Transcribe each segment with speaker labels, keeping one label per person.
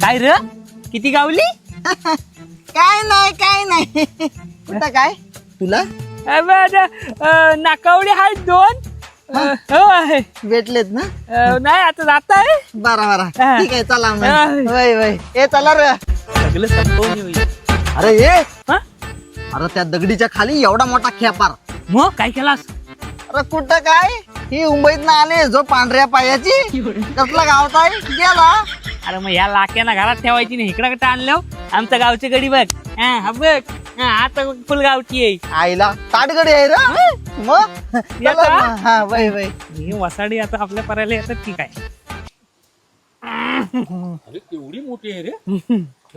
Speaker 1: काय र किती गावली?
Speaker 2: काय नाही कुठं काय तुला
Speaker 1: नाकावडी आहेत 2. होय.
Speaker 2: भेटलेत ना?
Speaker 1: नाही आता जात आहे.
Speaker 2: बरा
Speaker 1: हा.
Speaker 2: ठीक आहे चला मग.
Speaker 1: हा.
Speaker 2: वय ए चला रे.
Speaker 1: सगळं संपवून येऊया.
Speaker 2: अरे ये
Speaker 1: हा?
Speaker 2: अरे त्या दगडीच्या खाली एवढा मोठा खेपार.
Speaker 1: मग काय केलास?
Speaker 2: अरे कुठं काय ही मुंबईत ना आले जो पांढऱ्या पायाची कसला गावत आहे गेला.
Speaker 1: अरे मग ह्या लाक्याना घरात ठेवायची नाही. इकडं कुठं आणलं आमचं गावची गडी बघ. हा बघ. आता फुल गावची आहे.
Speaker 2: आईला ताटगडी आहे रे मग.
Speaker 1: येतो
Speaker 2: चला
Speaker 1: हा?
Speaker 2: मग. हा वय
Speaker 1: ही वसाडी आता आपल्या पर्याला येतात की काय?
Speaker 3: अरे केवढी मोठी आहे रे.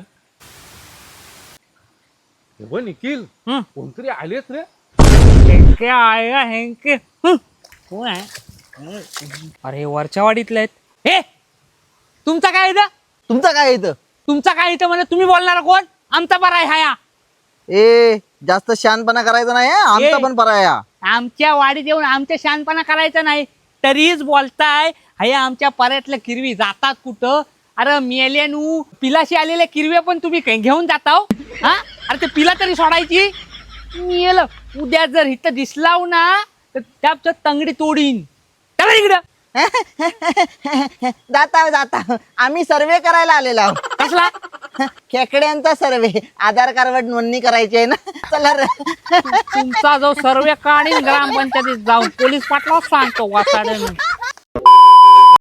Speaker 3: हे निखिल
Speaker 1: हं.
Speaker 3: कोणतरी आलेच रे.
Speaker 1: हेंके आएगा हेंके. कोण आहे? अरे वरच्या वाडीतले आहेत. हे तुमचा काय इथं?
Speaker 2: तुमचं काय इथं?
Speaker 1: तुमचा काय इथं म्हणजे तुम्ही बोलणार कोण? आमचा बरा आहे हाया.
Speaker 2: ए जास्त शहाणपणा करायचा नाही हं? आमचा
Speaker 1: ए.
Speaker 2: पण पराया.
Speaker 1: आमच्या वाडीत येऊन आमच्या शानपणा करायचा नाही तरीच बोलताय. हया आमच्या पर्यातल्या किरवी जातात कुठं? अरे मेल्यानू पिलाशी आलेल्या किरव्या पण तुम्ही घेऊन जाता हो? हा अरे ते पिला तरी सोडायची. मेलं उद्या जर इथं दिसलाव ना तर त्याचं तंगडी तोडीन. चला इकडं.
Speaker 2: जाता आम्ही सर्वे करायला आलेलो आहोत.
Speaker 1: कसला?
Speaker 2: खेकड्यांचा सर्वे. आधार कार्डवर नोंदणी करायची आहे ना. चला रे.
Speaker 1: तुमचा जो सर्वे काढीन ग्रामपंचायतीत जाऊन पोलीस पाटलाच सांगतो वाचाड्यानं.